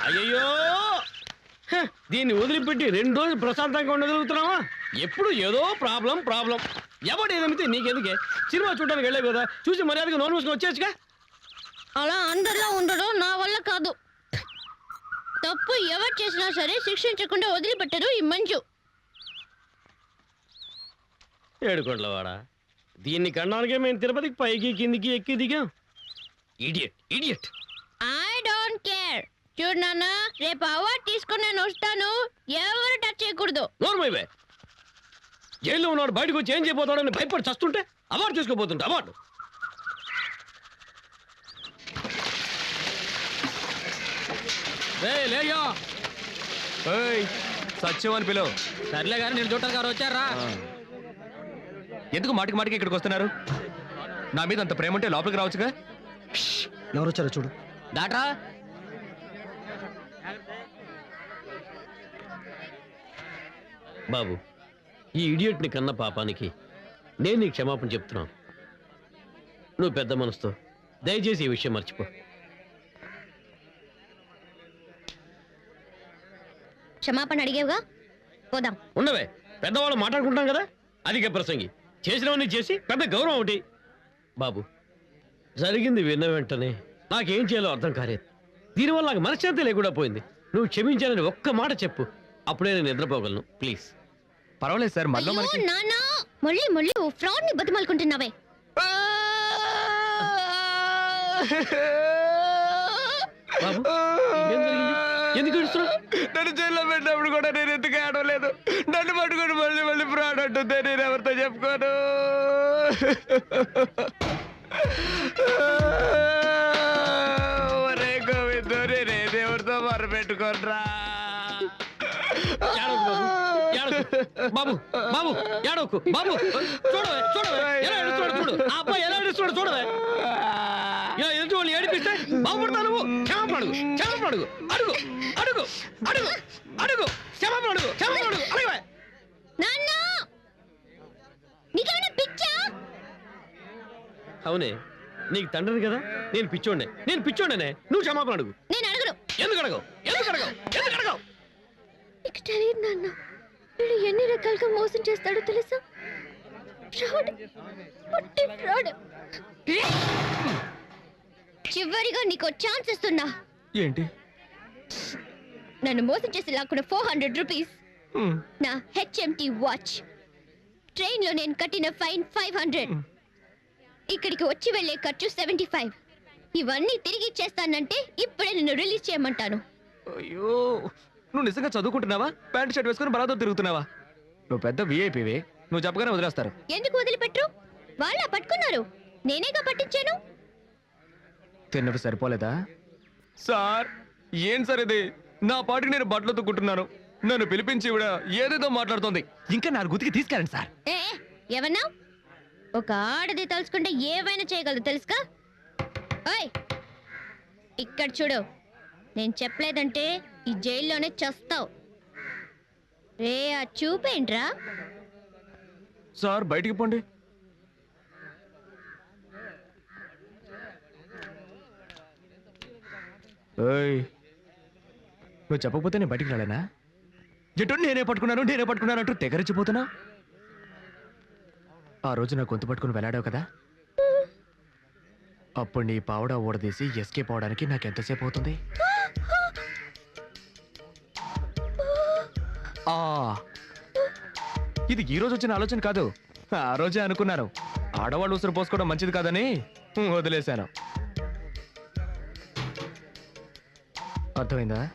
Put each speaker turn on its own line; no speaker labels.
అయ్యో దీన్ని వదిలిపెట్టి 2 రోజులు ప్రశాంతంగా ఉండగలుగుతున్నావా? ఎప్పుడు ఏదో ప్రాబ్లం. ఎవడు ఏదైతే నీకెందుకే? సినిమా చూడడానికి వెళ్ళే కదా, చూసి మర్యాదగా నోన్ మూసుకొని వచ్చేచ్చుగా.
అలా అందరిలో ఉండడం నా వల్ల కాదు. తప్పు ఎవరు చేసినా సరే శిక్షించకుండా వదిలిపెట్టరు ఈ మంజు.
ఏడుకోట్లవాడా, దీన్ని కన్నానికే మేము తిరుపతికి పైకి కిందికి ఎక్కి దిగాం. ఇడియట్.
I don't care. చూడు నాన్న, రేపు అవార్డు తీసుకుని నేను వస్తాను. ఎవరు టచ్ చేయకూడదు.
నోర్మైవే, జైల్లో ఉన్నాడు, బయటకు వచ్చి ఏం చేయబోతాడని భయపడి చస్తుంటే అవార్డు తీసుకోబోతుంటే అవార్డు.
లేయో సత్యం అని పిలువు.
సర్లే గారు, నేను చూడటానికి గారు వచ్చారా?
ఎందుకు మాటికి ఇక్కడికి వస్తున్నారు? నా మీద అంత ప్రేమ ఉంటే లోపలికి రావచ్చుగా.
ఎవరు వచ్చారో చూడు.
డాక్టరా,
బాబు, ఈ ఇడియట్ని కన్న పాపానికి నేను నీకు క్షమాపణ చెప్తున్నాను. నువ్వు పెద్ద మనసుతో దయచేసి ఈ విషయం మర్చిపో.
క్షమాపణ అడిగేవుగా, పోదాం.
ఉండవే, పెద్దవాళ్ళు మాట్లాడుకుంటాం కదా. అధిక ప్రసంగి, చేసినవన్నీ చేసి పెద్ద గౌరవం ఒకటి. బాబు, జరిగింది విన్న వెంటనే నాకేం చేయాలో అర్థం కాలేదు. దీనివల్ల నాకు మనశ్శాంతి లేకుండా పోయింది. నువ్వు క్షమించాలని ఒక్క మాట చెప్పు, అప్పుడే నేను నిద్రపోగలను. ప్లీజ్.
పర్వాలేదు సార్, మళ్ళీ మనకి
నాన్న మళ్ళీ ఫ్రాడ్ ని బతిమాలుకుంటున్నావే.
బాబు, ఏం జరిగింది? ఎందుకు ఏడుస్తున్నావు?
నన్ను జైల్లో పెట్టినప్పుడు కూడా నేను ఎందుకు ఆడలేదు. నన్ను పట్టుకుని మళ్ళీ ఫ్రాడ్ అంటుందే, నేను ఎవరితో చెప్పుకోను. ఒరే గోవిందో, నేనేది ఎవరితో మొరపెట్టుకోనరా.
బాబు బాబు ఏడవకు బాబు. చూడవే ఎలా ఏడుస్తున్నాడు చూడు. ఆ అబ్బాయి ఎలా ఏడుస్తున్నాడు చూడవే. ఇలా ఎదుటి వాళ్ళు ఏడిపిస్తే బాగుపడతావు నువ్వు. క్షమాపణ అడుగు. క్షమాపణ అడుగు. అడగవే.
నాన్న, నీకేమైనా పిచ్చా?
అవునే, నీకు తండ్రిని కదా. నేను పిచ్చోండనే. నువ్వు క్షమాపణ అడుగు.
నేను అడగను.
ఎందుకు అడగవు?
నీకు తెలియదు నాన్న, వీడు ఎన్ని రకాలుగా మోసం చేస్తాడో తెలుసా? ఫ్రాడ్. చివరిగా నీకు ఛాన్స్ ఇస్తున్నా.
ఏంటి?
నన్ను మోసం చేసి లాక్కున్న 400 రూపీస్, నా హెచ్ఎంటి వాచ్, ట్రైన్ లో నేను కట్టిన ఫైన్ 500, ఇక్కడికి వచ్చి వెళ్లే ఖర్చు 75. ఇవన్నీ తిరిగి ఇచ్చేస్తానంటే ఇప్పుడే నిన్ను రిలీజ్ చేయమంటాను.
అయ్యో, నువ్వు నిజంగా చదువుకుంటున్నావా? ప్యాంట్ షర్ట్ వేసుకుని బలాతో తిరుగుతున్నావా? నువ్వు పెద్ద విఐపివే, నువ్వు చెప్పగానే వదిలేస్తారు.
ఎందుకు వదిలిపెట్టరు? వాళ్ళ పట్టుకున్నారు, నేనేగా పట్టించాను.
తిన్నవి సరిపోలేదా? సార్, ఏం సార్ ఇది? నా పాటికి నేను బట్టలు తొక్కుంటున్నాను, నన్ను పిలిపించి ఇవిడ ఏదేదో మాట్లాడుతోంది. ఇంకా నా గుతికి తీసుకెళ్ళండి సార్.
ఏమన్నా? ఒక ఆడది తలుచుకుంటే ఏవైనా చేయగలదు తెలుసుగా. ఓయ్, ఇక్కడ చూడు, నేను చెప్పలేదంటే ఈ జైల్లోనే చస్తావు. రే, ఆ చూపేంట్రా?
సార్, బయటికి పోండి. నువ్వు చెప్పకపోతే నేను బయటికి రాలేనా? ఎటు నేనే పట్టుకున్నాను అంటూ తెగరిచిపోతున్నా. ఆ రోజు నా గొంతు పట్టుకుని వెళ్ళాడావు కదా, అప్పుడు నీ పావడా ఊడదీసి ఎస్కేప్ అవడానికి నాకెంతసేపు అవుతుంది? ఇది ఈ రోజు వచ్చిన ఆలోచన కాదు, ఆ రోజే అనుకున్నాను. ఆడవాళ్ళు ఉసురు పోసుకోవడం మంచిది కాదని వదిలేశాను. అర్థమైందా?